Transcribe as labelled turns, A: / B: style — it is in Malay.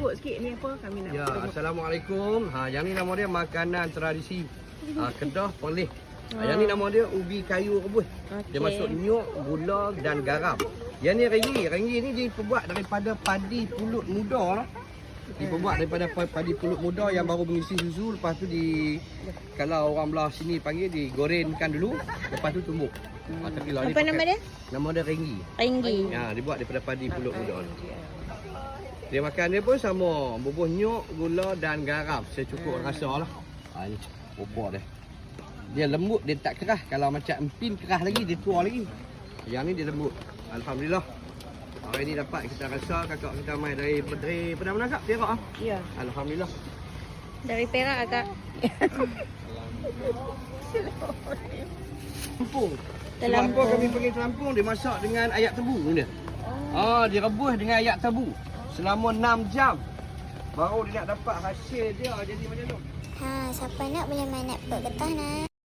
A: sebut sikit ni apa kami nak.
B: Ya, Assalamualaikum. Yang ni nama dia makanan tradisi Kedah Perlis. Yang ni nama dia ubi kayu rebus. Dia masuk nyok, gula dan garam. Yang ni renggi. Renggi ni diperbuat daripada padi pulut muda lah. Diperbuat daripada padi pulut muda yang baru mengisi susu. Lepas tu kalau orang belah sini panggil digorengkan dulu. Lepas tu tumbuk. Tapi lah
C: Apa nama dia?
B: Nama dia renggi.
C: Renggi.
B: Ya, dibuat daripada padi pulut muda ni. Dia makan dia pun sama, bubuh nyok, gula dan garam secukup rasa lah. Ini bubur dia. Dia lembut, dia tak kerah. Kalau macam empin kerah lagi, dia tua lagi. Yang ni dia lembut. Alhamdulillah. Hari ni dapat kita rasa kakak kita mai dari mana kak? Perak ah.
A: Ya.
B: Alhamdulillah.
C: Dari Perak Kak.
B: Lampung.
C: Terlampung.
B: Sebab apa kami pergi Terlampung, dia masak dengan ayak tebu dia. Direbus dengan ayak tebu selama 6 jam. Baru dia nak dapat hasil dia jadi macam tu.
D: Siapa nak boleh main nak perut getah nak.